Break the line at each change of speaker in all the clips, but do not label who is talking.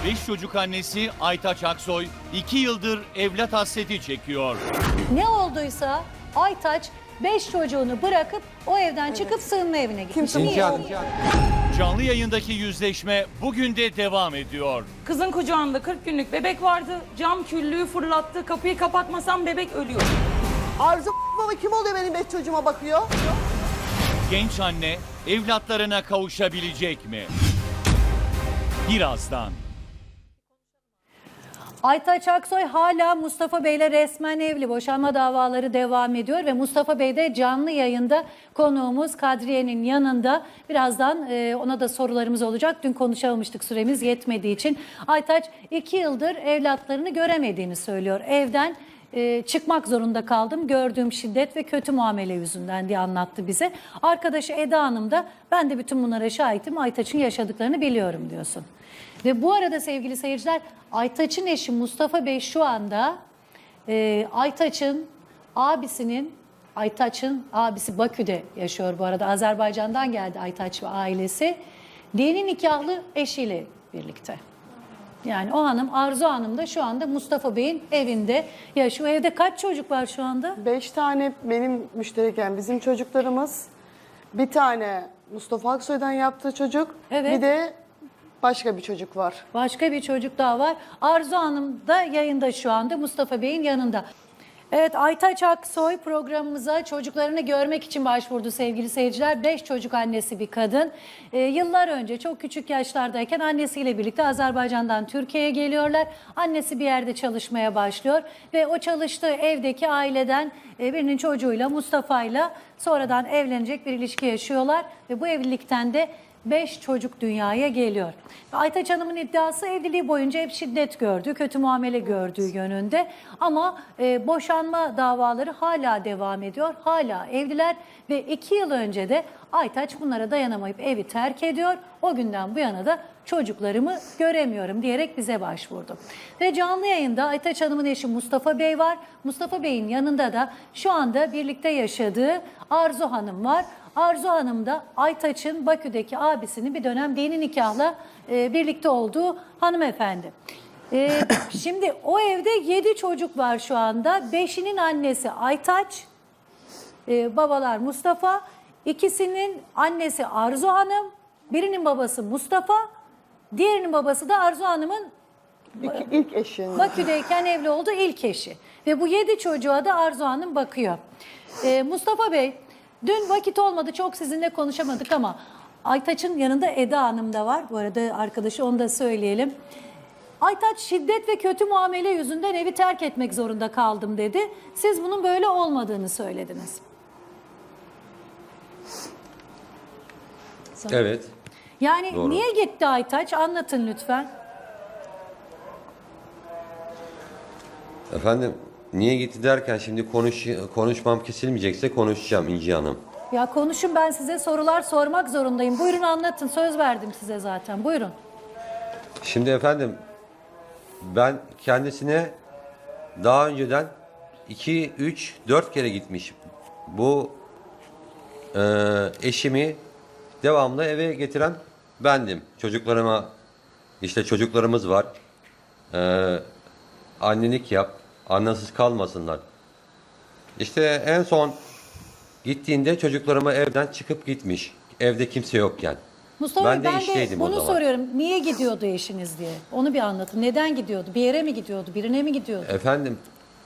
5 çocuk annesi Aytaç Aksoy 2 yıldır evlat hasreti çekiyor.
Ne olduysa Aytaç 5 çocuğunu bırakıp o evden çıkıp sığınma evine gitmiş. Niye?
Canlı yayındaki yüzleşme bugün de devam ediyor.
Kızın kucağında 40 günlük bebek vardı. Cam küllüğü fırlattı. Kapıyı kapatmasam bebek ölüyor.
Arzu baba kim oluyor benim 5 çocuğuma bakıyor?
Genç anne evlatlarına kavuşabilecek mi? Birazdan.
Aytaç Aksoy hala Mustafa Bey'le resmen evli. Boşanma davaları devam ediyor ve Mustafa Bey de canlı yayında konuğumuz Kadriye'nin yanında. Birazdan ona da sorularımız olacak. Dün konuşamamıştık, süremiz yetmediği için. Aytaç 2 yıldır evlatlarını göremediğini söylüyor. Evden çıkmak zorunda kaldım. Gördüğüm şiddet ve kötü muamele yüzünden diye anlattı bize. Arkadaşı Eda Hanım da ben de bütün bunlara şahitim. Aytaç'ın yaşadıklarını biliyorum diyorsun. Ve bu arada sevgili seyirciler, Aytaç'ın eşi Mustafa Bey şu anda Aytaç'ın abisi Bakü'de yaşıyor bu arada. Azerbaycan'dan geldi Aytaç ve ailesi. Dini nikahlı eşiyle birlikte. Yani o hanım, Arzu Hanım da şu anda Mustafa Bey'in evinde yaşıyor. Evde kaç çocuk var şu anda?
5 tane benim müştereken bizim çocuklarımız. Bir tane Mustafa Aksoy'dan yaptığı çocuk.
Evet.
Bir de başka bir çocuk var.
Başka bir çocuk daha var. Arzu Hanım da yayında şu anda Mustafa Bey'in yanında. Evet, Aytaç Aksoy programımıza çocuklarını görmek için başvurdu sevgili seyirciler. 5 çocuk annesi bir kadın. Yıllar önce çok küçük yaşlardayken annesiyle birlikte Azerbaycan'dan Türkiye'ye geliyorlar. Annesi bir yerde çalışmaya başlıyor ve o çalıştığı evdeki aileden birinin çocuğuyla, Mustafa'yla sonradan evlenecek bir ilişki yaşıyorlar ve bu evlilikten de 5 çocuk dünyaya geliyor. Aytaç Hanım'ın iddiası evliliği boyunca hep şiddet gördü, kötü muamele gördüğü yönünde. Ama boşanma davaları hala devam ediyor, hala evliler ve 2 yıl önce de Aytaç bunlara dayanamayıp evi terk ediyor. O günden bu yana da çocuklarımı göremiyorum diyerek bize başvurdu. Ve canlı yayında Aytaç Hanım'ın eşi Mustafa Bey var. Mustafa Bey'in yanında da şu anda birlikte yaşadığı Arzu Hanım var. Arzu Hanım da Aytaç'ın Bakü'deki abisinin bir dönem dini nikahla birlikte olduğu hanımefendi. Şimdi o evde 7 çocuk var şu anda. 5'inin annesi Aytaç, babalar Mustafa, ikisinin annesi Arzu Hanım, birinin babası Mustafa, diğerinin babası da Arzu Hanım'ın
İlk eşin.
Bakü'deyken evli olduğu ilk eşi. Ve bu 7 çocuğa da Arzu Hanım bakıyor. Mustafa Bey, dün vakit olmadı, çok sizinle konuşamadık ama Aytaç'ın yanında Eda Hanım da var. Bu arada arkadaşı, onu da söyleyelim. Aytaç şiddet ve kötü muamele yüzünden evi terk etmek zorunda kaldım dedi. Siz bunun böyle olmadığını söylediniz.
Evet.
Yani
Doğru.
niye gitti Aytaç? Anlatın lütfen.
Efendim niye gitti derken şimdi konuşmam kesilmeyecekse konuşacağım İnci Hanım.
Ya konuşun, ben size sorular sormak zorundayım. Buyurun anlatın, söz verdim size zaten. Buyurun.
Şimdi efendim ben kendisine daha önceden 2, 3, 4 kere gitmiş. Bu eşimi devamlı eve getiren bendim. Çocuklarıma, işte çocuklarımız var. Annelik yap, annesiz kalmasınlar. İşte en son gittiğinde çocuklarımı evden çıkıp gitmiş. Evde kimse yokken.
Mustafa
Ben
Bey,
de
ben de
işteydim o
bunu
zaman.
soruyorum. Niye gidiyordu eşiniz diye? Onu bir anlatın. Neden gidiyordu? Bir yere mi gidiyordu? Birine mi gidiyordu?
Efendim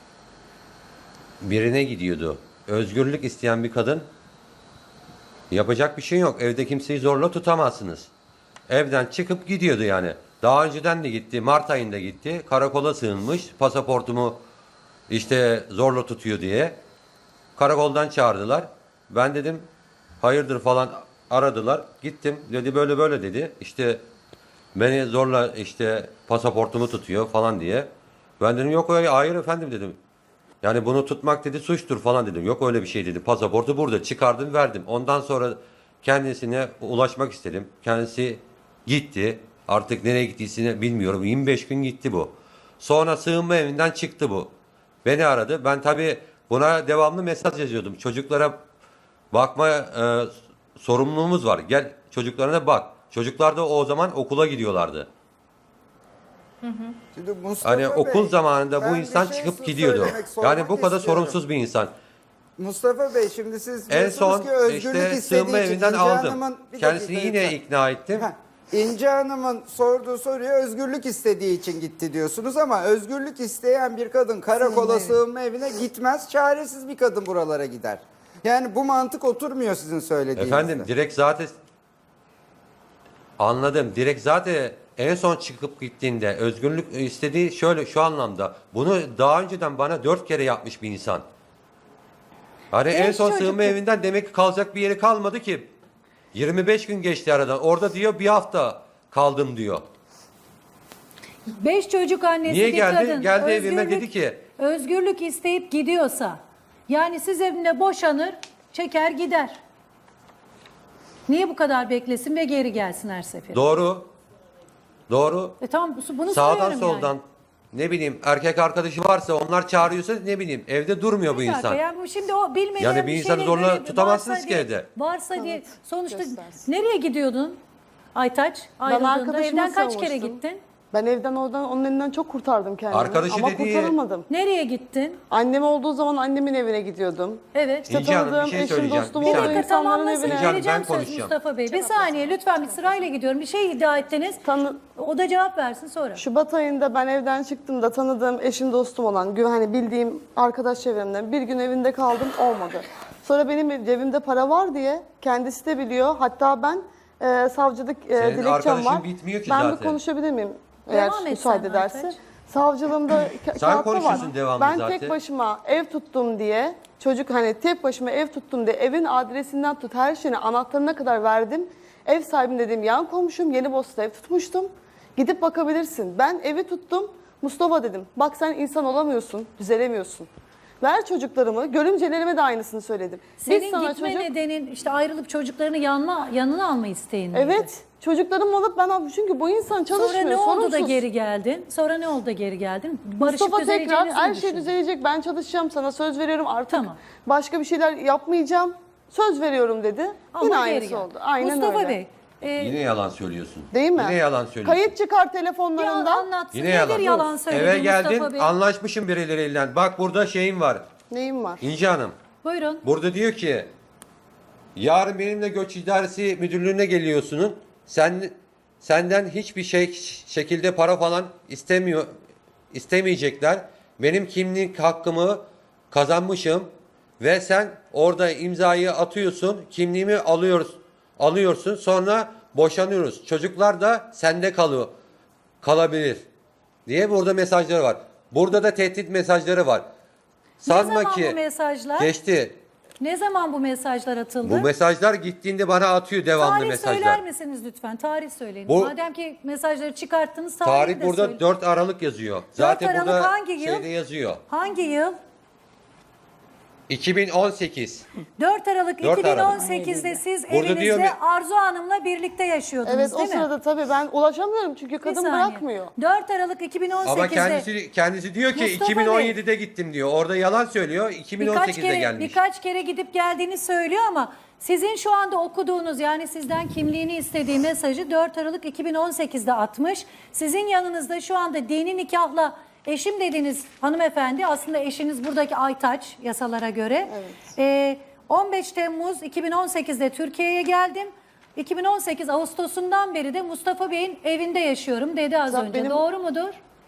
birine gidiyordu. Özgürlük isteyen bir kadın, yapacak bir şey yok. Evde kimseyi zorla tutamazsınız. Evden çıkıp gidiyordu yani. Daha önceden de gitti. Mart ayında gitti. Karakola sığınmış. Pasaportumu işte zorla tutuyor diye. Karakoldan çağırdılar. Ben dedim hayırdır falan, aradılar. Gittim. Dedi böyle böyle dedi. İşte beni zorla işte pasaportumu tutuyor falan diye. Ben dedim yok öyle, hayır efendim dedim. Yani bunu tutmak dedi suçtur falan dedim. Yok öyle bir şey dedi. Pasaportu burada çıkardım, verdim. Ondan sonra kendisine ulaşmak istedim. Kendisi gitti. Artık nereye gittiğini bilmiyorum. 25 gün gitti bu. Sonra sığınma evinden çıktı bu. Beni aradı. Ben tabii buna devamlı mesaj yazıyordum. Çocuklara bakma sorumluluğumuz var. Gel çocuklarına bak. Çocuklar da o zaman okula gidiyorlardı.
Şimdi Mustafa
Hani okul
Bey,
zamanında
ben
bu
bir
insan
şey
çıkıp gidiyordu.
söylemek, sormak
Yani bu kadar
istiyorum.
sorumsuz bir insan.
Mustafa Bey, şimdi siz
En
diyorsunuz
son
ki özgürlük
işte
istediği
sığınma
için
evinden
İnce
aldım.
Hanım'ın- bir
Kendisini
dakika
yine
lütfen.
ikna ettim.
İnce Hanım'ın sorduğu soruya özgürlük istediği için gitti diyorsunuz ama özgürlük isteyen bir kadın karakola, sığınma evine gitmez. Çaresiz bir kadın buralara gider. Yani bu mantık oturmuyor sizin söylediğinizde.
Efendim direkt zaten anladım. Direkt zaten en son çıkıp gittiğinde özgürlük istediği şöyle şu anlamda. Bunu daha önceden bana 4 kere yapmış bir insan. Hani en
Beş
son
çocuk-
sığınma evinden demek ki kalacak bir yeri kalmadı ki. 25 gün geçti aradan. Orada diyor bir hafta kaldım diyor.
5 çocuk annesi
Niye
bir
geldi?
kadın.
Geldi evime dedi ki-
Özgürlük isteyip gidiyorsa, yani siz evinde boşanır, çeker gider. Niye bu kadar beklesin ve geri gelsin her sefer?
Doğru. Doğru.
Tamam bunu
Sağdan
soruyorum
soldan
yani.
ne bileyim erkek arkadaşı varsa onlar çağırıyorsa ne bileyim evde durmuyor bu
Bir dakika,
insan.
yani bu şimdi o bilmeyen
Yani bir insanı
şeyle
zorla
böyle
tutamazsınız
varsa
ki
diye-
evde.
Varsa diye sonuçta
göstersin.
nereye gidiyordun Aytaç? Ayrıldığında
arkadaşıma
evden kaç kere
savunmuştum.
gittin?
Ben evden oradan onun elinden çok kurtardım kendimi.
Arkadaşı
ama
dediği-
kurtaramadım.
Nereye gittin?
Annem olduğu zaman annemin evine gidiyordum.
Evet.
İşte
İnci Hanım, bir
tanıdığım
şey
eşim,
söyleyeceğim.
dostum
Bir
Bir
olduğu
dakika,
dakika
insanların
tamamlasın.
evine.
Canım,
Vereceğim
ben
söz
konuşacağım.
Mustafa Bey. Bir saniye lütfen bir sırayla gidiyorum. Bir şey iddia ettiniz. O da cevap versin sonra.
Şubat ayında ben evden çıktığımda tanıdığım eşim, dostum olan, hani bildiğim arkadaş çevremden bir gün evinde kaldım, olmadı. Sonra benim cebimde para var diye kendisi de biliyor. Hatta ben savcılık
Senin
dilekçem
arkadaşın
var.
bitmiyor ki
ben
zaten.
bir konuşabilir miyim?
Devam
Eğer
et
müsaade
sen
ederse.
Aytaç.
Savcılığımda kağıtta var.
konuşuyorsun devamlı
Ben
zaten.
tek başıma ev tuttum diye, çocuk hani tek başıma ev tuttum diye evin adresinden tut her şeyini anahtarına kadar verdim. Ev sahibim dediğim yan komşum Yenibosna'da ev tutmuştum. Gidip bakabilirsin. Ben evi tuttum. Mustafa dedim. Bak sen insan olamıyorsun, düzelemiyorsun. Ver çocuklarımı. Görümcelerime de aynısını söyledim.
Senin gitme nedenin işte ayrılıp çocuklarını yanına alma isteğin miydi?
Evet. Çocuklarımı alıp ben abi çünkü bu insan çalışmıyor.
Sonra ne oldu da
sorumsuz.
geri geldin? Sonra ne oldu da geri geldin? Barışıp
Mustafa tekrar
düzeleceğinizi mi
her şey
düşündün?
düzelecek. Ben çalışacağım, sana söz veriyorum artık.
Tamam.
Başka bir şeyler yapmayacağım. Söz veriyorum dedi.
Ama
Yine
geri
aynısı
geldi.
oldu. Aynen
Mustafa
öyle.
Bey,
Yine yalan söylüyorsun.
Değil mi?
Yine yalan söylüyorsun.
Kayıt çıkar
bir
telefonlarından.
anlatsın.
Yine
Nedir
yalan.
yalan söyledi
Eve
Mustafa
geldin
Bey?
anlaşmışım birileriyle. Bak burada şeyim var.
Neyim var?
İnci Hanım.
Buyurun.
Burada diyor ki yarın benimle göç idaresi müdürlüğüne geliyorsunuz. Senden hiçbir şekilde para falan istemeyecekler. Benim kimlik hakkımı kazanmışım ve sen orada imzayı atıyorsun. Kimliğimi alıyorsun. Sonra boşanıyoruz. Çocuklar da sende kalabilir diye burada mesajları var. Burada da tehdit mesajları var. Sanma
zaman
ki
bu mesajlar?
geçti.
Ne zaman bu mesajlar atıldı?
Bu mesajlar gittiğinde bana atıyor devamlı
Tarih
mesajlar.
söyler misiniz lütfen? Tarih söyleyin.
Bu-
Madem ki mesajları çıkarttınız tarihi
Tarih
de
burada
söyleyin.
4 Aralık yazıyor. Zaten
Aralık
burada
hangi yıl?
şeyde yazıyor.
Hangi yıl?
2018.
4 Aralık
4
2018'de siz
Burada diyor
evinizde
mi-
Arzu Hanım'la birlikte yaşıyordunuz
Evet o
değil mi?
sırada tabii ben ulaşamıyorum çünkü
Bir
kadın
saniye.
bırakmıyor.
4 Aralık 2018'de
Ama kendisi diyor ki
Mustafa
2017'de gittim diyor. Orada yalan söylüyor. 2018'de gelmiş.
birkaç kere gidip geldiğini söylüyor ama sizin şu anda okuduğunuz yani sizden kimliğini istediği mesajı 4 Aralık 2018'de atmış. Sizin yanınızda şu anda dini nikahla eşim dediğiniz hanımefendi aslında eşiniz buradaki Aytaç yasalara göre. 15 Temmuz 2018'de Türkiye'ye geldim. 2018 Ağustos'undan beri de Mustafa Bey'in evinde yaşıyorum dedi az
Zaten
önce.
benim-
Doğru mudur?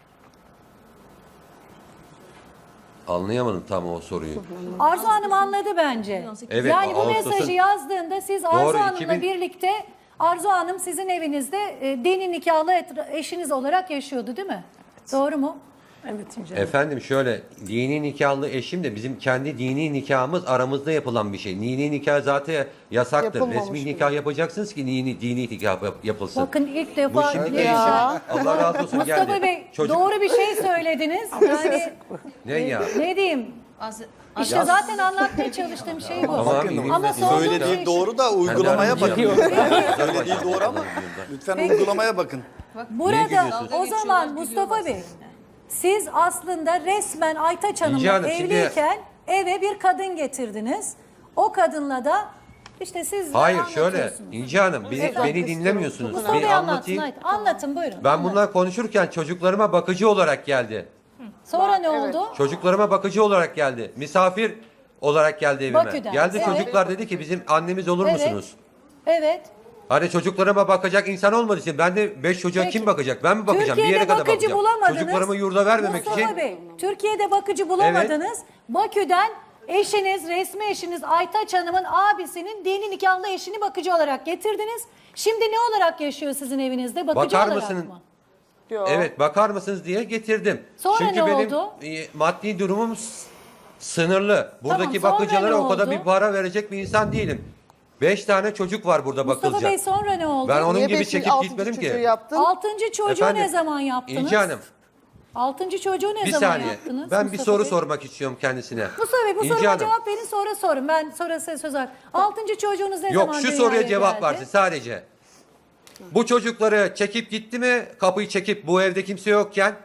Anlayamadım tam o soruyu.
Arzu Hanım anladı bence.
Evet,
yani bu
Ağustos'un-
mesajı yazdığında siz Arzu
Doğru,
Hanım'la
2000
birlikte Arzu Hanım sizin evinizde dini nikahlı eşiniz olarak yaşıyordu değil mi? Doğru mu?
Efendim şöyle dini nikahlı eşim de bizim kendi dini nikahımız aramızda yapılan bir şey. Dini nikah zaten yasaktır.
Yapılmamış
Resmi
bile.
nikah yapacaksınız ki dini nikah yapılsın.
Bakın ilk
Bu
defa
şimdi
Ya.
eşim Allah razı olsun
Mustafa
geldi.
Bey
Çocuk-
doğru bir şey söylediniz. Yani
Ne ya?
ne diyeyim? İşte zaten anlatmaya çalıştığım şey bu. Ama sorduğum
Söylediği
şey
doğru da uygulamaya bakın. Söylediği doğru ama lütfen
Peki.
uygulamaya bakın.
Burada
gülüyorsunuz?
o zaman Mustafa Bey siz aslında resmen Aytaç
İnci
Hanım'la
Hanım, şimdi-
evliyken eve bir kadın getirdiniz. O kadınla da İşte siz
Hayır şöyle
anlatıyorsunuz.
İnci Hanım beni dinlemiyorsunuz.
Mustafa
Bir
Bey anlatsın.
anlatayım.
Haydi. Anlatın buyurun.
Ben
Anlatın.
bunlar konuşurken çocuklarıma bakıcı olarak geldi.
Sonra ne
Evet.
oldu?
Çocuklarıma bakıcı olarak geldi. Misafir olarak geldi evime.
Bakü'den,
Geldi
evet.
çocuklar dedi ki bizim annemiz olur
Evet.
musunuz?
Evet.
Hani çocuklarıma bakacak insan olmadığı için ben de 5 çocuğa
Peki.
kim bakacak? Ben mi bakacağım?
Türkiye'de
bir yere kadar
bakıcı
bakacağım.
bulamadınız.
Çocuklarımı yurda vermemek
Mustafa
için.
Bey, Türkiye'de bakıcı bulamadınız. Bakü'den eşiniz, resmi eşiniz Aytaç Hanım'ın abisinin dini nikahlı eşini bakıcı olarak getirdiniz. Şimdi ne olarak yaşıyor sizin evinizde? Bakıcı
Bakar
olarak
mısın?
mı?
Yok.
Evet bakar mısınız diye getirdim.
Sonra
Çünkü
ne
benim
oldu?
maddi durumum sınırlı. Buradaki
sonra
bakıcılara
ne
o kadar
oldu?
bir para verecek bir insan değilim. 5 tane çocuk var burada
Mustafa
bakılacak.
Bey sonra ne oldu?
Ben onun
Niye
gibi
beşinci,
çekip
altıncı
gitmedim
çocuğu
ki.
yaptın?
Altıncı çocuğu
Efendim,
ne zaman yaptınız?
İnci Hanım
Altıncı çocuğu ne
bir
zaman
saniye.
yaptınız?
Ben bir
Mustafa
soru
Bey?
sormak istiyorum kendisine.
Mustafa Bey bu
İnci
soruma
Hanım.
cevap verin sonra sorun. Ben sonra size söz hakkı. Altıncı çocuğunuz ne
Yok
zaman
şu
dünyaya
soruya cevap
geldi?
versin sadece. Bu çocukları çekip gitti mi? Kapıyı çekip bu evde kimse yokken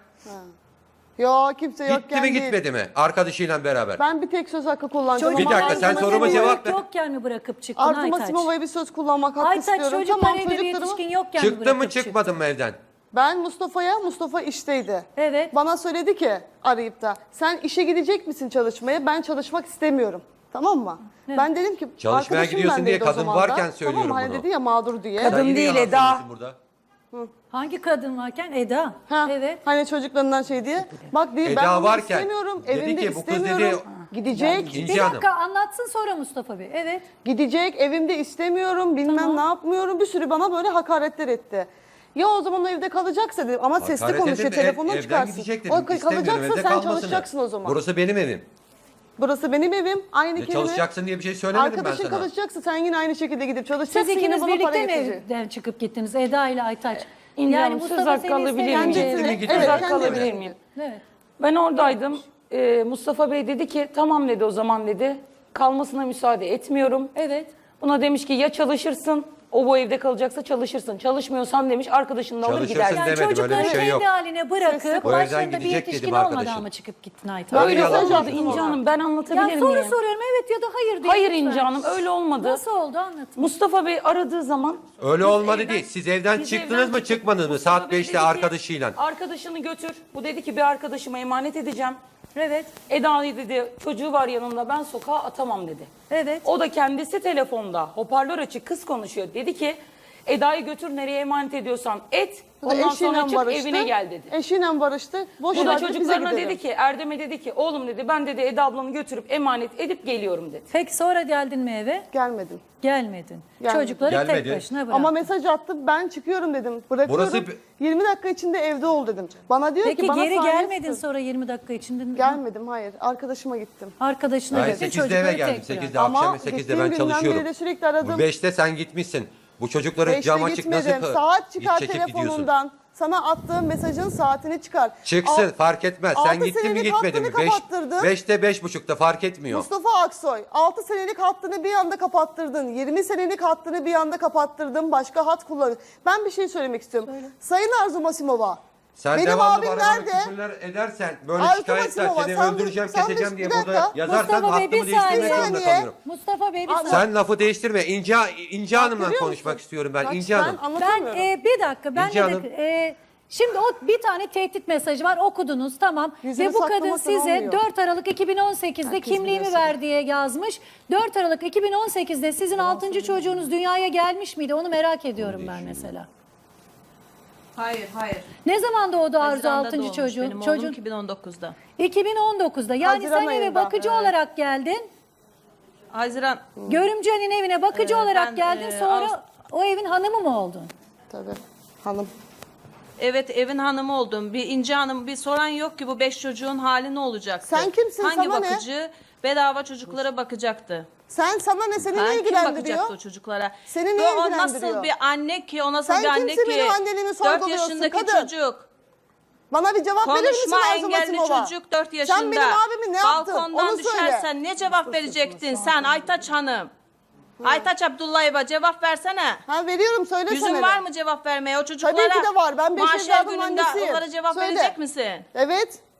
Yok kimse yokken
gitti mi
değil.
gitmedi mi? Arkadaşıyla beraber.
Ben bir tek söz hakkı kullanacağım.
Bir dakika, sen
Arzu
soruma
Masimova'yı
cevap ver.
yokken mi bırakıp çıktın
Arzu
Aytaç?
Masimova'ya bir söz kullanmak hakkı
Aytaç
istiyorum.
çocuklar evde bir yetişkin yokken mi
Çıktın
bırakıp
mı çıkmadın mı evden?
Ben Mustafa işteydi.
Evet.
Bana söyledi ki arayıp da sen işe gidecek misin çalışmaya? Ben çalışmak istemiyorum. Tamam mı?
Evet.
Ben dedim ki
Çalışmaya
arkadaşım
gidiyorsun diye
bendeydi o
kadın
zaman da.
varken söylüyorum
Tamam mı? Hani
bunu.
dedi ya mağdur diye.
Kadın
Sen yine
değil,
yalan
Eda.
söylüyorsun burada.
Hangi kadın varken? Eda.
Ha,
Evet.
Hani çocuklarından şey diye. Bak değil ben
Eda
bunu
varken
istemiyorum.
dedi
Evimde
ki, bu kız
istemiyorum.
dedi-
Gidecek.
İnci
Bir
Hanım.
dakika anlatsın sonra Mustafa Bey. Evet.
Gidecek, evimde istemiyorum, bilmem
Tamam.
ne yapmıyorum. Bir sürü bana böyle hakaretler etti. Ya o zaman o evde kalacaksa dedim ama sesli
Hakaret
konuşuyor,
edin,
telefondan
evden
çıkarsın.
gidecek
O
dedim. İstemiyorum,
kalacaksa
evde
sen
kalmasını.
çalışacaksın o zaman.
Burası benim evim.
Burası benim evim, aynı
Ne
kelime.
çalışacaksın diye bir şey söylemedim ben
Arkadaşın
sana.
çalışacaksa sen yine aynı şekilde gidip
Siz
çalışacaksın, yine
ikiniz
bana para
birlikte mi
getireceksin.
evden çıkıp gittiniz? Eda ile Aytaç.
İnci
Yani
Hanım, söz
Mustafa
hakkı
seni
alabilir miyim?
isteyince-
Gitti mi, gitti
Söz
mi?
hakkı
kendi
alabilir
mi?
miyim?
Evet.
Ben oradaydım. Mustafa Bey dedi ki tamam dedi o zaman dedi. Kalmasına müsaade etmiyorum.
Evet.
Buna demiş ki ya çalışırsın, o bu evde kalacaksa çalışırsın. Çalışmıyorsan demiş arkadaşını da alır
Çalışırsın
gider.
Yani
demedim, öyle bir
çocukları
şey yok.
kendi haline bırakıp
O evden
başlarında bir
gidecek
yetişkin
dedim
olmadan
arkadaşım.
mı çıkıp gittin Aytaç?
Ben
Öyle
bir
yalan
mesaj
söylüyorsun.
attım
İnci
ona.
Hanım ben anlatabilir
Ya soru
miyim?
soruyorum evet ya da hayır diye.
Hayır
lütfen.
İnci Hanım öyle olmadı.
Nasıl oldu anlatın.
Mustafa Bey aradığı zaman
Öyle
biz
olmadı değil. Siz evden
biz
çıktınız
evden
mı,
çıktık.
çıkmadınız mı?
Mustafa
Saat
Bey
5'te
dedi ki,
arkadaşıyla.
arkadaşını götür. Bu dedi ki bir arkadaşıma emanet edeceğim.
Evet.
Eda'yı dedi çocuğu var yanında ben sokağa atamam dedi.
Evet.
O da kendisi telefonda hoparlör açık kız konuşuyor. Dedi ki Eda'yı götür nereye emanet ediyorsan et.
Bu da
Ondan sonra
eşiyle
çık
barıştı.
evine gel dedi.
Eşiyle barıştı. Boş
Bu da
ver, biz de
çocuklarına
gidelim.
dedi ki Erdem'e dedi ki oğlum dedi ben dedi Eda ablanı götürüp emanet edip geliyorum dedi.
Peki sonra geldin mi eve?
Gelmedim.
Gelmedin.
Gelmedim.
Çocukları
Gelmedi.
tek başına bıraktın.
Ama mesaj attım ben çıkıyorum dedim. Bırakıyorum.
Burası-
20 dakika içinde evde ol dedim. Bana diyor
Peki
ki bana
geri
saniye
gelmedin
tutun.
sonra 20 dakika içinde.
Gelmedim hayır. Arkadaşıma gittim.
Arkadaşına
Ben
götür
8'de
çocukları
eve geldim.
tek
8'de
bırak.
Ama
akşam 8'de
gittiğim
ben
günden
çalışıyorum.
beri de sürekli aradım.
Bu 5'te sen gitmişsin. Bu çocukları
5'te
cam açık
gitmedim.
nasıl
Saat çıkar
çekip gidiyorsun?
telefonundan. Sana attığım mesajın saatini çıkar.
Çıksın
Al-
fark etmez. Sen
6
gittin mi
senelik
gitmedin mi?
hattını kapattırdın.
5'te 5.30'da fark etmiyor.
Mustafa Aksoy 6 senelik hattını bir anda kapattırdın. 20 senelik hattını bir anda kapattırdın. Başka hat kullanıyorsun. Ben bir şey söylemek istiyorum. Sayın Arzu Masimova.
Sen
benim
devamlı
abim
bana
nerede?
küfürler edersen, böyle
Arzu
şikayetler,
Masimova,
seni
sen
öldüreceğim,
sen
keseceğim
bir
diye
dakika.
burada yazarsan
Mustafa Bey,
hakkımı
bir
değiştirmek
saniye.
zorunda
Bir saniye.
kalıyorum.
Mustafa Bey bir saniye.
Sen lafı değiştirme. İnci Hanım'la
görüyor
konuşmak
musun?
istiyorum ben.
Bak,
İnci Hanım.
Ben anlatamıyorum.
Bir dakika ben
İnci
de
Hanım.
şimdi o bir tane tehdit mesajı var okudunuz tamam
Yüzünü
ve bu kadın
saklamasın
size
olmuyor.
4 Aralık 2018'de
Herkes
kimliğimi
biliyorsun.
ver diye yazmış. 4 Aralık 2018'de sizin 6. çocuğunuz dünyaya gelmiş miydi onu merak ediyorum ben mesela.
Hayır.
Ne zaman doğdu Arzu
Haziran'da
6.
doğmuş
çocuğun?
Benim oğlum 2019'da.
2019'da yani
Haziran
sen eve
ayında.
bakıcı olarak geldin.
Haziran
Görümcenin evine bakıcı olarak
ben,
geldin sonra o evin hanımı mı oldun?
Tabii. Hanım.
evet evin hanımı oldum. Bir İnci Hanım bir soran yok ki bu 5 çocuğun hali ne olacaktı?
Sen kimsin?
Hangi
Sana ne?
bakıcı bedava çocuklara bakacaktı?
Sana ne seni ne
Kim
ilgilendiriyor?
bakacaktı o çocuklara?
Seni ne
Ve o
ilgilendiriyor?
nasıl bir anne ki o nasıl
Sen
bir anne
kimsin
ki?
benim anneliğimi
4
sorguluyorsun
yaşındaki
kadın?
çocuk.
Bana bir cevap verir misin
Konuşma
Arzu
engelli
Masimova?
çocuk 4 yaşında.
Sen benim abimi ne yaptın?
Balkondan
Onu söyle.
düşersen ne cevap verecektin sen Aytaç Hanım? Aytaç Abdullayeva cevap versene.
Ha veriyorum söylesene.
Yüzün var mı cevap vermeye o çocuklara?
Tabii ki de var. Ben beş
mahşer
evladım
gününde
annesiyim.
onlara cevap
Söyle.
verecek misin?
Evet.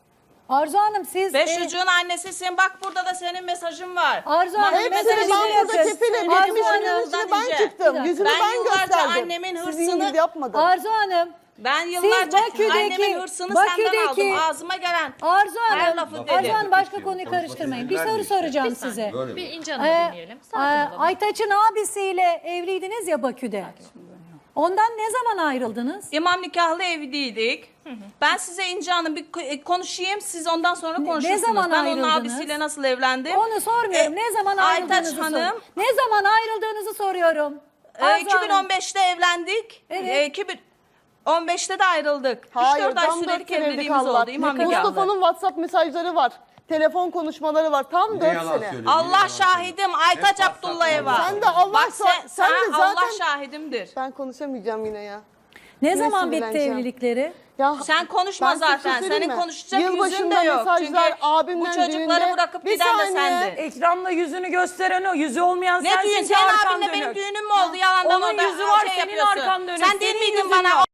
Arzu Hanım siz...
5 çocuğun annesisin. Bak burada da senin mesajın var.
Arzu Hanım
Mahkeme
mesajı
Hepsini ben
mesajı
burada
bakın.
kefilim.
Arzu
Benim
Hanım,
işimin içine
yıldan
ben
önce.
çıktım. Yüzümü
Ben
ben
yıllarca
gösterdim.
annemin
Sizin
hırsını-
gibi yapmadım.
Arzu Hanım,
Ben
siz
yıllarca
Bakü'deki-
annemin hırsını senden
Bakü'deki-
aldım. Ağzıma gelen.
Arzu
Her
Hanım,
lafı
Arzu
dedi.
Hanım başka konuyu karıştırmayın. Bir soru soracağım size.
Böyle
Bir
mi?
İnci Hanım'ı dinleyelim. Sakin olalım.
Aytaç'ın abisiyle evliydiniz ya Bakü'de. Ondan ne zaman ayrıldınız?
İmam nikahlı evliydik. Ben size İnci Hanım bir konuşayım. Siz ondan sonra konuşursunuz.
zaman
ben onun
ayrıldınız?
abisiyle nasıl evlendim?
Onu sormuyorum. Ne zaman
Aytaç
ayrıldığınızı
Hanım,
soruyorum. Ne zaman ayrıldığınızı soruyorum. Arzu Hanım.
2015'te evlendik.
Evet.
2015'te de ayrıldık.
Hayır,
3-4 ay
tam 4
sürelik
senelik
evliliğimiz
Allah.
oldu. İmam nikahlı.
Mustafa'nın WhatsApp mesajları var. Telefon konuşmaları var. Tam
Ne
4
yalan
sene.
söylüyor, ne
Allah
yalan
şahidim. Aytaç
Hep
Abdullayeva.
WhatsApp'tan
Sen de Allah
Bak
sen de
Allah
zaten...
şahidimdir.
Ben konuşamayacağım yine ya.
Ne
Yine
zaman bitti
sinirleneceğim.
evlilikleri?
Ya
Sen konuşma
ben size bir şey
zaten.
söyleyeyim
Senin
mi?
konuşacak yüzün
Yılbaşında
de yok.
mesajlar,
Çünkü bu
abimden
çocukları
düğünde-
bırakıp
Bir
giden de
saniye.
sendin.
Ekranda yüzünü gösteren o. Yüzü olmayan
Ne
sensin
düğün?
ki
Senin
arkan
abinle benim
dönük.
düğünüm mü oldu? Yalandan
Onun
orada
yüzü var,
şey
senin
yapıyorsun.
arkan dönük.
Sen değil
Senin
miydin
yüzün
bana?
yok.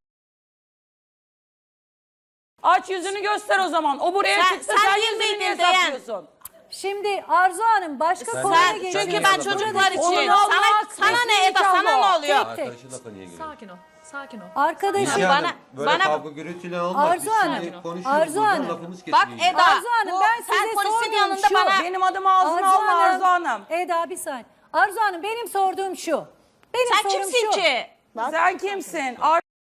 Aç yüzünü göster o zaman. O buraya
Sen-
çıktı.
sen
Sen
değil
yüzünü
miydin
niye
diyen?
saklıyorsun?
Şimdi Arzu Hanım başka konuya
Sen,
geçiyoruz.
çünkü ben çocuklar için.
Onun Allah
Sana ne
resmi
Eda? Sana
nikahlı
ne
o.
oluyor?
Tek tek.
Arkadaşın lafa niye giriyor?
Sakin ol. Sakin ol.
Arkadaşım
İnci
Bana-
Hanım, böyle
bana-
kavga gürültüyle olmaz.
Arzu
Biz
Hanım,
şimdi konuşuyoruz,
Arzu
buradan
Hanım.
lafımız
Bak
kesiliyor.
Eda.
Arzu Hanım, ben
sen
size
polisin
sorduğum
yanında
şu.
bana...
Benim adımı ağzına alma Arzu Hanım.
Eda bir saniye. Arzu Hanım benim sorduğum şu. Benim
Sen
sorum
kimsin
şu.
ki?
Sen kimsin?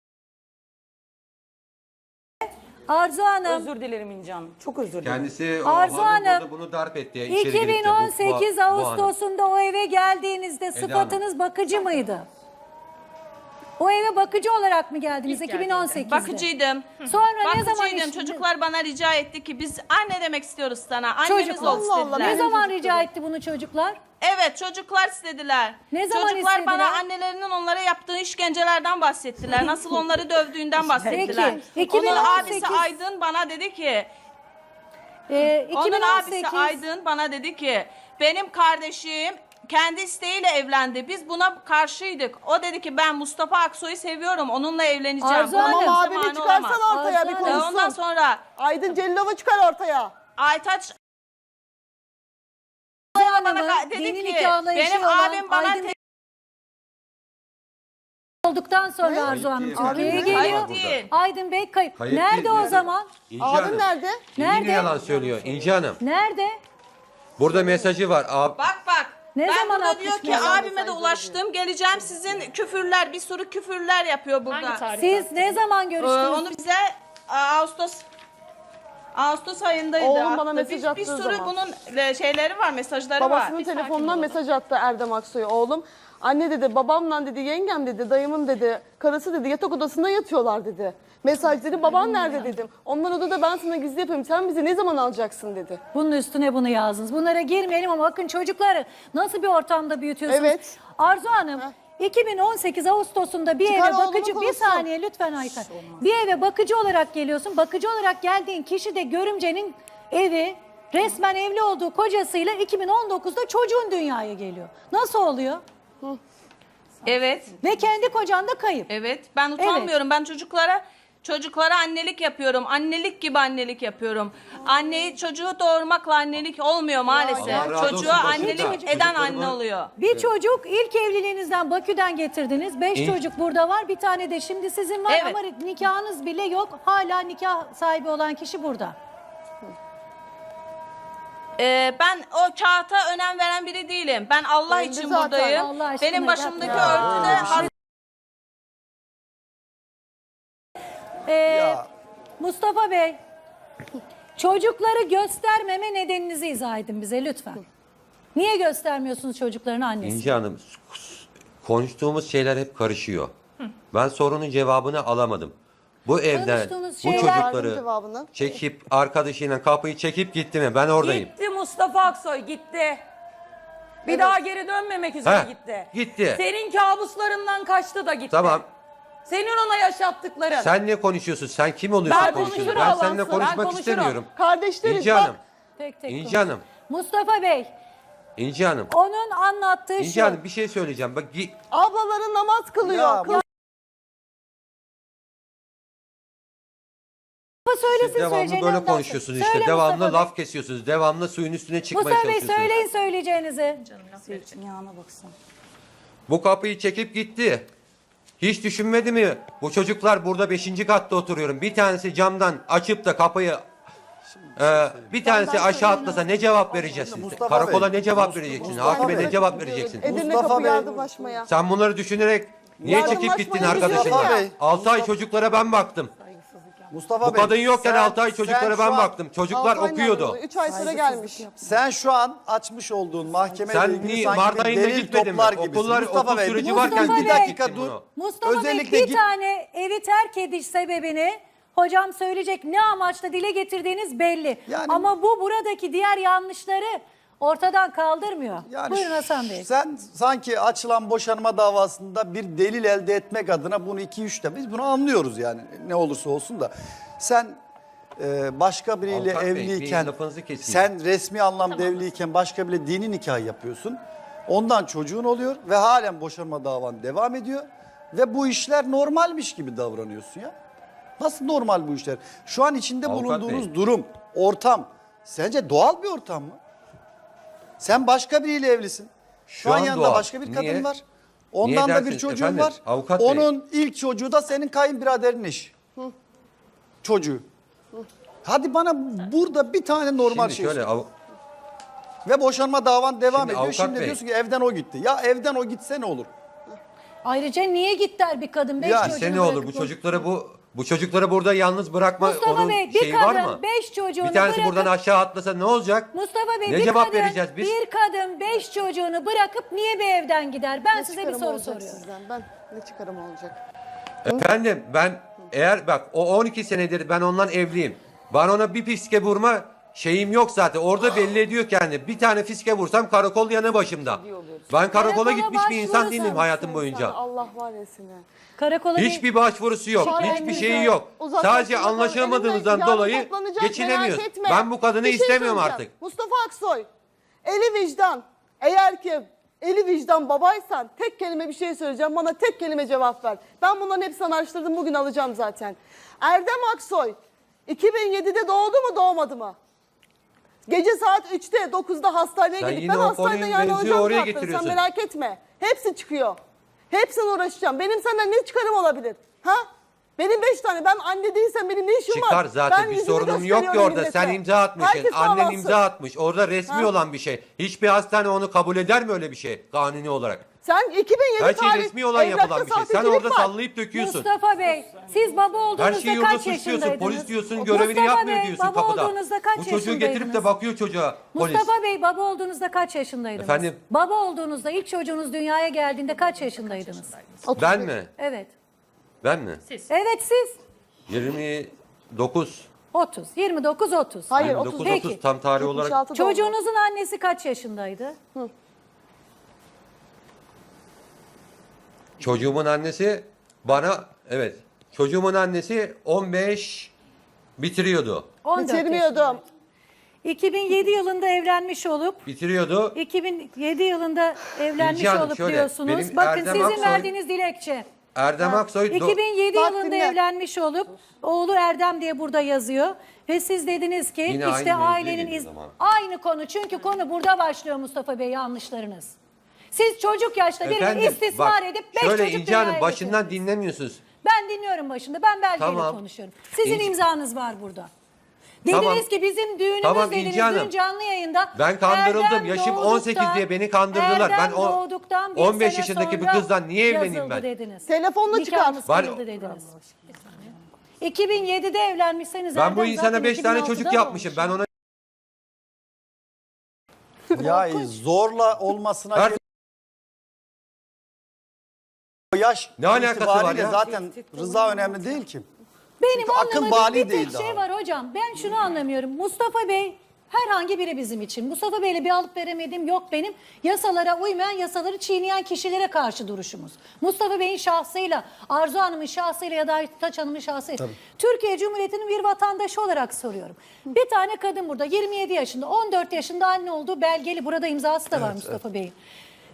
Arzu Hanım
Özür dilerim İnci Hanım. Çok özür dilerim.
Kendisi o
Arzu
hanım
Hanım,
burada bunu darp etti. İçeri girip de bu-
2018
bu hanım.
Ağustos'unda o eve geldiğinizde sıfatınız bakıcı mıydı? O eve bakıcı olarak mı geldiniz
İlk
2018'de?
Bakıcıydım.
Sonra ne zaman
Bakıcıydım. Çocuklar bana rica etti ki biz anne demek istiyoruz sana. Annemiz
Çocuklar.
ol
Allah Allah,
istediler.
Ne zaman rica etti bunu çocuklar?
Evet çocuklar istediler.
Ne zaman
Çocuklar
istediler?
bana annelerinin onlara yaptığı işkencelerden bahsettiler. Nasıl onları dövdüğünden bahsettiler.
Peki,
Onun
2018
abisi Aydın bana dedi ki,
2018
onun abisi Aydın bana dedi ki benim kardeşim kendi isteğiyle evlendi. Biz buna karşıydık. O dedi ki ben Mustafa Aksoy'u seviyorum. Onunla evleneceğim.
Arzu
Buna
Hanım.
kimse
Tamam abimi
mani
çıkarsan
olamaz.
ortaya
Arzu
bir
Hanım.
konuşsun.
Ondan sonra
Aydın Celilova çıkar ortaya.
Aytaç
Hanım'ın
bana dedi
yeni
ki
nikahla eşi
benim
olan
abim bana
Aydın olduktan sonra Arzu Hanım
değil.
Türkiye'ye
Abim
geliyor.
Kayıp değil.
Aydın Bey kayıp.
Kayıp
Nerede
değil,
o
yani.
zaman?
İnci
Abim
Hanım,
nerede?
Nerede?
Yine yalan söylüyor İnci Hanım.
Nerede?
Burada mesajı var.
Bak.
Ne
Ben
zaman
burada diyor ki
atmış
abime de ulaştım. Geleceğim sizin küfürler bir sürü küfürler yapıyor burada.
Hangi tarih?
Siz ne zaman görüştünüz?
Onu bize Ağustos ayındaydı.
Oğlum bana
attı.
mesaj
bir
attığı
sürü
zaman.
bunun şeyleri var, mesajları
Babasının
var.
telefonundan mesaj attı Erdem Aksoy. Oğlum anne dedi babamla dedi yengem dedi dayımın dedi karısı dedi yatak odasında yatıyorlar dedi. Mesaj dedi baban nerede dedim. Onlar odada ben sana gizli yapayım sen bizi ne zaman alacaksın dedi.
Bunun üstüne bunu yazdınız. Bunlara girmeyelim ama bakın çocukları nasıl bir ortamda büyütüyorsunuz.
Evet.
Arzu Hanım 2018 Ağustos'unda bir
Çıkar
eve
oğlunu
bakıcı bir
konuşsun.
saniye lütfen Ayten. Bir eve bakıcı olarak geliyorsun. Bakıcı olarak geldiğin kişi de görümcenin evi resmen evli olduğu kocasıyla 2019'da çocuğun dünyaya geliyor. Nasıl oluyor?
Evet.
Ve kendi kocan da kayıp.
Evet. Ben utanmıyorum. Ben çocuklara annelik yapıyorum. Annelik gibi annelik yapıyorum. Anneyi çocuğu doğurmakla annelik olmuyor maalesef.
Allah razı olsun,
Çocuğa
başında
annelik eden
çocukları
anne
var.
oluyor.
Bir çocuk ilk evliliğinizden Bakü'den getirdiniz. 5 çocuk burada var. Bir tane de şimdi sizin var
Evet.
ama nikahınız bile yok. Hala nikah sahibi olan kişi burada.
Ben o kağıta önem veren biri değilim. Ben Allah
Ben de
için
zaten
buradayım.
Allah aşkına
Benim başımdaki
yapma.
örtüde
Mustafa Bey, çocukları göstermeme nedeninizi izah edin bize lütfen. Niye göstermiyorsunuz çocukların annesi?
İnci Hanım, konuştuğumuz şeyler hep karışıyor. Ben sorunun cevabını alamadım. Bu evden
Konuştuğunuz
bu
şeyler-
Verdim
çocukları
cevabını.
çekip arkadaşıyla kapıyı çekip gitti mi? Ben oradayım.
Gitti Mustafa Aksoy gitti. Bir daha geri dönmemek üzere
Heh,
gitti.
gitti.
Senin kabuslarından kaçtı da gitti.
Tamam.
Senin ona yaşattıkların.
Sen ne konuşuyorsun? Sen kim oluyorsun
Ben
konuşuyorsun?
konuşurum
Ben seninle
Allah'ın, ben
konuşmak
konuşurum.
istemiyorum.
Kardeşleriz
İnci
bak.
Hanım,
Tek tek
İnci
konuş.
Hanım,
Mustafa Bey,
İnci Hanım.
onun anlattığı
İnci
şu.
Hanım bir şey söyleyeceğim. Bak
Ablaların namaz kılıyor.
Ya bu-
söylesin
Siz devamlı
söyleyeceğini.
böyle
ondan sonra.
konuşuyorsunuz işte.
Söyle
Devamlı
Mustafa Bey.
laf kesiyorsunuz. Devamlı suyun üstüne çıkmaya
Mustafa Bey
çalışıyorsunuz.
söyleyin söyleyeceğinizi.
Yağına baksana.
Bu kapıyı çekip gitti. Hiç düşünmedi mi? Bu çocuklar burada 5. katta oturuyorum. Bir tanesi camdan açıp da kapıyı bir tanesi aşağı atlasa ne cevap vereceğiz siz?
Mustafa
Karakola
Bey,
ne cevap vereceksin?
Mustafa
Hakime
Bey.
ne cevap vereceksin?
Edirne
Mustafa
kapı
Bey.
yardımlaşmaya.
Sen bunları düşünerek niye çekip
Yardımlaşmayı
gittin
düşündün
arkadaşınla?
ya.
6 ay çocuklara ben baktım.
Mustafa
Bu
Bey,
kadın yokken
sen-
6 ay
sen
çocuklara
şu
ben
an-
baktım. Çocuklar okuyordu.
3 ay sonra gelmiş.
Sen şu an açmış olduğun mahkemeyle
Sen
ilgili
niye
sanki
Mart
bir
ayında
delil
gitmedin mi?
toplar gibisin.
Okullar,
Mustafa
okul
Bey,
süreci
bir
varken
Mustafa
bir
Bey.
dakika dur.
Mustafa
Özellikle
Bey bir
git-
tane evi terk ediş sebebini hocam söyleyecek, ne amaçla dile getirdiğiniz belli.
Yani-
Ama bu buradaki diğer yanlışları ortadan kaldırmıyor. Buyurun Hasan Bey.
Sen sanki açılan boşanma davasında bir delil elde etmek adına bunu 2-3 de biz bunu anlıyoruz yani ne olursa olsun da. Sen başka biriyle
Avukat Bey, bir
evliyken,
lafınızı keseyim.
sen resmi anlamda evliyken başka biriyle dini nikah yapıyorsun. Ondan çocuğun oluyor ve halen boşanma davan devam ediyor. Ve bu işler normalmiş gibi davranıyorsun ya. Nasıl normal bu işler? Şu an içinde
Avukat
bulunduğunuz
Bey.
durum, ortam sence doğal bir ortam mı? Sen başka biriyle evlisin. Şu an
an
yanında
doğal.
başka bir kadın
Niye?
var. Ondan da bir
dersiniz
çocuğun
efendim?
var.
Avukat Bey.
Onun ilk çocuğu da senin kayınbiraderin eşi. Çocuğu. Hadi bana burada bir tane normal
Şimdi
şey
şöyle
söyle. Ve boşanma davan devam
Şimdi
ediyor.
avukat
Şimdi
Bey.
diyorsun ki evden o gitti. Ya evden o gitse ne olur?
Ayrıca niye gider bir kadın 5
Ya,
çocuğunu
ise ne olur
bırakıp-
bu çocukları burada yalnız bırakma
Mustafa
onun
Bey, bir
şeyi var
kadın
mı?
5 çocuğunu
Bir tanesi
bırakıp-
buradan aşağı atlasa ne olacak?
Mustafa Bey
Ne
bir
cevap
kadın,
vereceğiz biz?
Bir kadın 5 çocuğunu bırakıp niye bir evden gider? Ben
Ne
size bir
çıkarım
soru
olacak
soruyorum.
sizden? Ben ne çıkarım olacak?
Efendim ben eğer bak o 12 senedir ben ondan evliyim. Bana ona bir fiske vurma şeyim yok zaten. Orada belli ediyor kendini. Bir tane fiske vursam karakol yanı başımda. Ben karakola
Karakola
gitmiş bir insan
başvurursan
değilim hayatım
Sen
boyunca.
Allah var ya seni.
Karakola bir-
Hiçbir başvurusu yok.
Şu an
Hiçbir
elimizde
şeyi yok.
uzaklaştırma
Sadece
var.
anlaşamadığımızdan
Elimde yarın
dolayı
toplanacak,
geçinemiyoruz.
merak etme.
Ben bu kadını
Bir şey
istemiyorum
söyleyeceğim.
artık.
Mustafa Aksoy, eli vicdan. Eğer ki eli vicdan babaysan tek kelime bir şey söyleyeceğim. Bana tek kelime cevap ver. Ben bunların hepsini araştırdım. Bugün alacağım zaten. Erdem Aksoy 2007'de doğdu mu doğmadı mı? Gece saat 3'te 9'da hastaneye
Sen
gidip
yine
ben
o
hastanede
konuyu
yani
mevzuyu
hocam
oraya
cevap ver. Sen
getiriyorsun.
merak etme. Hepsi çıkıyor. Hepsine uğraşacağım. Benim senden ne çıkarım olabilir? Ha? Benim 5 tane. Ben anne değilsem benim ne işim var?
Çıkar zaten
Ben
bir
yüzümü
sorunum yok ki
gösteriyorum
orada.
millete.
Sen imza atmışsın.
Herkes
Annen
davası.
imza atmış. Orada resmi
Ha?
olan bir şey. Hiçbir hastane onu kabul eder mi öyle bir şey kanuni olarak?
Sen 2007
Her şey
tarih
resmi olan
evrakta
yapılan bir şey. Sen
sahtecilik
orada
var.
sallayıp döküyorsun.
Mustafa Bey, siz baba olduğunuzda
Her şeyi yurda
kaç
suçluyorsun.
yaşındaydınız?
Polis diyorsun görevini
Mustafa
yapmıyor
Bey,
diyorsun
baba
kapıda.
olduğunuzda kaç
Bu çocuğu getirip de
yaşındaydınız?
bakıyor çocuğa polis.
Mustafa Bey, baba olduğunuzda kaç yaşındaydınız?
Efendim?
Baba olduğunuzda ilk çocuğunuz dünyaya geldiğinde kaç yaşındaydınız?
Ben mi?
Evet.
Ben mi?
Siz.
Evet siz
29.
30, 29 30.
Hayır
29
30.
Peki.
30 tam tarih olarak.
76 doğumlu.
Çocuğunuzun annesi kaç yaşındaydı?
Çocuğumun annesi bana evet. Çocuğumun annesi 15 bitiriyordu.
14
Bitirmiyordum.
yaşındaydı. 2007 yılında evlenmiş olup
Bitiriyordu.
2007 yılında evlenmiş
İlci Hanım,
olup
şöyle,
diyorsunuz.
benim
Bakın
Erdem
sizin
Aksoy-
verdiğiniz dilekçe.
Erdem Aksoy
2007
Bak
yılında
dinle.
evlenmiş olup oğlu Erdem diye burada yazıyor. Ve siz dediniz ki
Yine aynı
işte
mevzuya
ailenin
geliyor zaman.
aynı konu. Çünkü konu burada başlıyor Mustafa Bey, yanlışlarınız. Siz çocuk yaşta birini
Efendim,
istismar
bak,
edip 5
şöyle
çocuk
İnci Hanım
dünyaya
başından
getirdiniz.
dinlemiyorsunuz.
Ben dinliyorum başında. Ben belgeyle
Tamam.
konuşuyorum. Sizin
İnci-
imzanız var burada. Dediniz
Tamam.
ki bizim düğünümüz
Tamam,
dediniz
İnci Hanım.
dün canlı yayında.
Ben kandırıldım.
Erdem
Yaşım
doğduktan-
18 diye beni kandırdılar.
Erdem
Ben o
doğduktan bir
15
sene
yaşındaki bir
sonra
kızdan niye evleneyim
yazıldı
ben?
Dediniz.
Telefonla çıkar.
Nikahımız
Var-
kıyıldı dediniz. 2007'de evlenmişseniz
Ben bu
Erdem
insana
zaten
5 tane
2006'da
çocuk yapmışım. Ben ona
Ya zorla olmasına
Her-
gerek- o yaş
Ne alakası var
itibariyle
ya?
zaten rıza önemli değil ki.
Benim
Çünkü akıl
anlamadığım
bali
bir
değil
tek şey
daha.
var hocam. Ben şunu anlamıyorum. Mustafa Bey herhangi biri bizim için. Mustafa Bey'le bir alıp veremediğim yok benim. Yasalara uymayan, yasaları çiğneyen kişilere karşı duruşumuz. Mustafa Bey'in şahsıyla, Arzu Hanım'ın şahsıyla ya da Aytaç Hanım'ın şahsıyla. Türkiye Cumhuriyeti'nin bir vatandaşı olarak soruyorum. Bir tane kadın burada 27 yaşında, 14 yaşında anne olduğu belgeli. Burada imzası da var Mustafa Bey'in.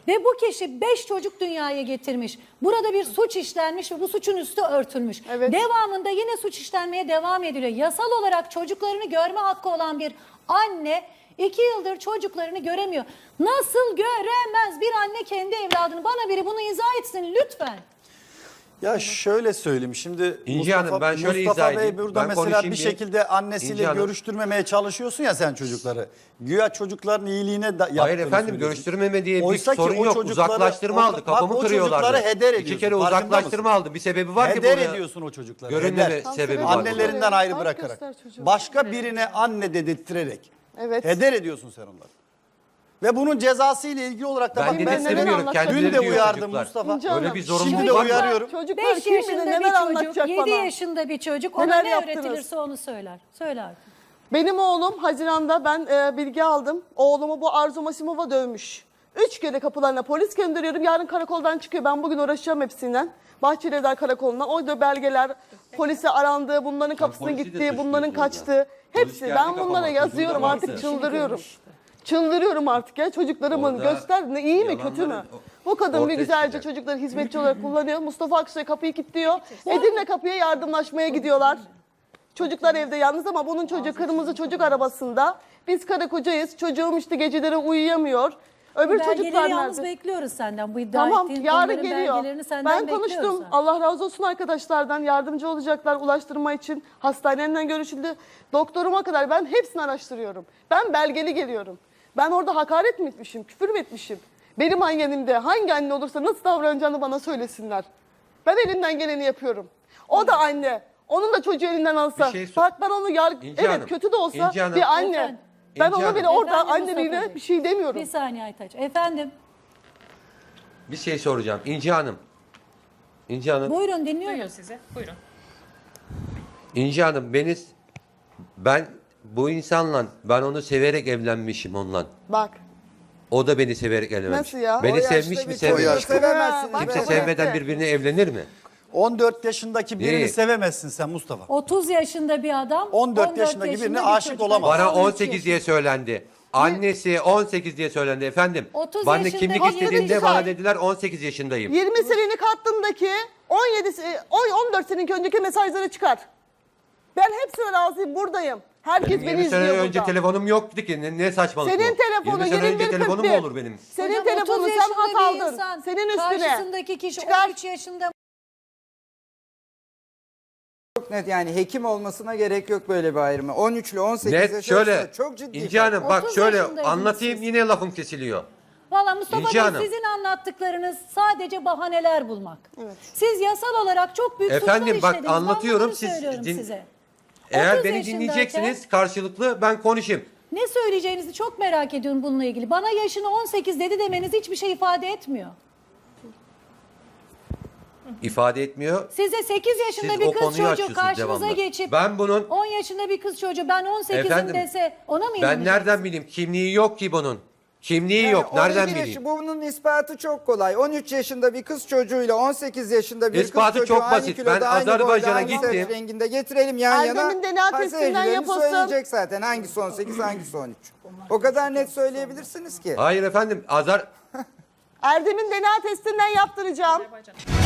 Ve bu kişi 5 çocuk dünyaya getirmiş. Burada bir suç işlenmiş ve bu suçun üstü örtülmüş.
Evet.
Devamında yine suç işlenmeye devam ediliyor. Yasal olarak çocuklarını görme hakkı olan bir anne 2 yıldır çocuklarını göremiyor. Nasıl göremez bir anne kendi evladını? Bana biri bunu izah etsin lütfen.
Ya şöyle söyleyeyim şimdi
İnci Hanım, ben şöyle
Mustafa
izah
Bey
edeyim.
burada
Ben
mesela
konuşayım
bir
bir.
şekilde annesiyle
İnci Hanım.
görüştürmemeye çalışıyorsun ya sen çocukları. Güya çocukların iyiliğine yaptığını
Hayır efendim,
söylüyorsun.
görüştürmeme diye bir
Oysa ki
sorun
o
yok.
çocukları-
Uzaklaştırma aldı.
bak,
Kafamı
o
kırıyorlardı.
çocukları heder
2
ediyorsun,
kere
farkında
uzaklaştırma aldı. Bir sebebi var ki
Heder
buraya
ediyorsun o çocukları.
görünmeme
heder.
sebebi var.
Annelerinden ayrı
Fark
bırakarak.
göster çocuğu.
Başka birine anne dedirttirerek.
Evet.
Heder ediyorsun sen onları. Ve bunun cezası ile ilgili olarak da
Ben
bakın
dedirtmiyorum.
anlatacağım.
dün
Kendileri
de
diyor
uyardım
çocuklar.
Mustafa.
İnci
Öyle
Hanım,
bir zorunluluk
Şimdi de
var mı?
uyarıyorum.
Çocuklar
5
kim bilir
yaşında
neler
bir çocuk,
anlatacak
7
bana.
yaşında bir çocuk. Ona
Neler
ne
yaptınız?
öğretilirse onu söyler. Söyle artık.
Benim oğlum Haziran'da ben bilgi aldım. Oğlumu bu Arzu Masimova dövmüş. 3 kere kapılarına polis gönderiyorum. Yarın karakoldan çıkıyor. Ben bugün uğraşacağım hepsinden. Bahçelievler Karakolu'ndan. Orada belgeler, polise arandığı, bunların kapısına
polisi de
gittiği,
suçluyorsun
bunların
orada.
kaçtığı.
Polis
Hepsi.
geldi
Ben
kafama,
bunlara
çocuğun da
yazıyorum
vardı.
artık çıldırıyorum. Çıldırıyorum artık ya. Çocuklarımın
Orada
göster ne iyi mi kötü mü?
yalanları
Bu kadın bir
ortaya
güzelce
çıkacak.
çocukları hizmetçi olarak kullanıyor. Mustafa Aksoy kapıyı kilitliyor. Edirne kapıya yardımlaşmaya gidiyorlar. Çocuklar evde yalnız ama bunun çocuğu kırmızı çocuk arabasında. Biz karı kocayız. Çocuğum işte geceleri uyuyamıyor. Öbür çocuklar
Belgeleri yalnız
nerede?
bekliyoruz senden. Bu iddia
Tamam
ettiğin
yarın
konuların
geliyor.
belgelerini senden
Ben
bekliyoruz.
konuştum. Allah razı olsun arkadaşlardan yardımcı olacaklar ulaştırma için. Hastaneden görüşüldü. Doktoruma kadar ben hepsini araştırıyorum. Ben belgeli geliyorum. Ben orada hakaret mi etmişim, küfür mü etmişim? Benim annemde hangi anne olursa nasıl davranacağını bana söylesinler. Ben elimden geleni yapıyorum. O da anne. Onun da çocuğu elinden alsa.
Bir şey sor-
Bak ben onu
İnci
evet
Hanım,
kötü de olsa
İnci Hanım.
bir anne.
Efendim?
Ben
İnci
onu
Hanım.
bile orada
Efendim Mustafa
anneliğine
Bey.
bir şey demiyorum.
Bir saniye Aytaç. Efendim
Bir şey soracağım. İnci Hanım. İnci Hanım.
buyurun dinliyorum.
Duyuyor sizi. Buyurun.
İnci Hanım, ben bu insanla, ben onu severek evlenmişim onunla.
Bak.
O da beni severek evlenmiş.
Nasıl ya?
Beni
O yaşta
sevmiş
bir
mi
çocuğu
sevmemiş mi?
sevemezsiniz.
Bak,
Kimse
bak,
sevmeden
bak.
birbirine evlenir mi?
14 yaşındaki birini
Neyi?
sevemezsin sen Mustafa.
30 yaşında bir adam
14 yaşındaki birine
bir
aşık
çocuk.
olamaz.
Bana
13
18 diye söylendi. Annesi 18 diye söylendi efendim.
30
Bana
yaşında
kimlik
bir
istediğinde
çocuk
bana
var.
dediler 18 yaşındayım.
20 senelik hattındaki 14 senelik önceki mesajları çıkar. Ben hepsine razıyım buradayım. Herkes
Benim
beni
20 sene
izliyor
önce
burada.
telefonum yoktu ki. Ne saçmalık
Senin
bu?
telefonu
20 sene önce
21.41.
telefonum mu olur benim?
Senin
Hocam,
telefonu
30
sen
yaşında
hat
bir
aldın.
insan,
Senin üstüne.
karşısındaki kişi
Çıkar.
13 yaşında.
Çok net yani hekim olmasına gerek yok böyle bir ayrımı. 13 ile 18
Net
yaş
şöyle.
arasında çok ciddi.
İnci
fark.
Hanım bak
30
şöyle
yaşındaydınız
anlatayım
siz.
yine lafım kesiliyor.
Valla Mustafa
İnci
Bey
Hanım.
sizin anlattıklarınız sadece bahaneler bulmak. Siz yasal olarak çok büyük
Efendim,
suçlar
bak,
işlediniz.
anlatıyorum,
Ben
siz
bunları söylüyorum
din-
size.
Eğer
30
beni
yaşındayken
dinleyeceksiniz karşılıklı ben konuşayım.
Ne söyleyeceğinizi çok merak ediyorum bununla ilgili. Bana yaşını 18 dedi demeniz hiçbir şey ifade etmiyor.
İfade etmiyor.
Size 8 yaşında
Siz
bir
o
kız
konuyu
çocuğu
açıyorsunuz
karşınıza
devamlı.
geçip
Ben bunun
10 yaşında bir kız çocuğu ben 18'im
Efendim,
dese ona mı
ben
inanacaksınız?
nereden bileyim? Kimliği yok ki bunun. Kimliği
Yani
yok. Nereden
12 yaş-
bileyim?
Bunun ispatı çok kolay. 13 yaşında bir kız çocuğuyla 18 yaşında bir
İspatı
kız çocuğu
çok
aynı
basit.
kiloda,
Ben
aynı boyda,
Azerbaycan'a
aynı saç
gittim.
renginde getirelim yan yana.
Erdem'in DNA
Ha,
testinden
seyircilerimiz
yapılsın.
söyleyecek zaten hangisi 18 hangisi 13. O kadar net söyleyebilirsiniz ki.
Hayır efendim.
Erdem'in DNA testinden yaptıracağım.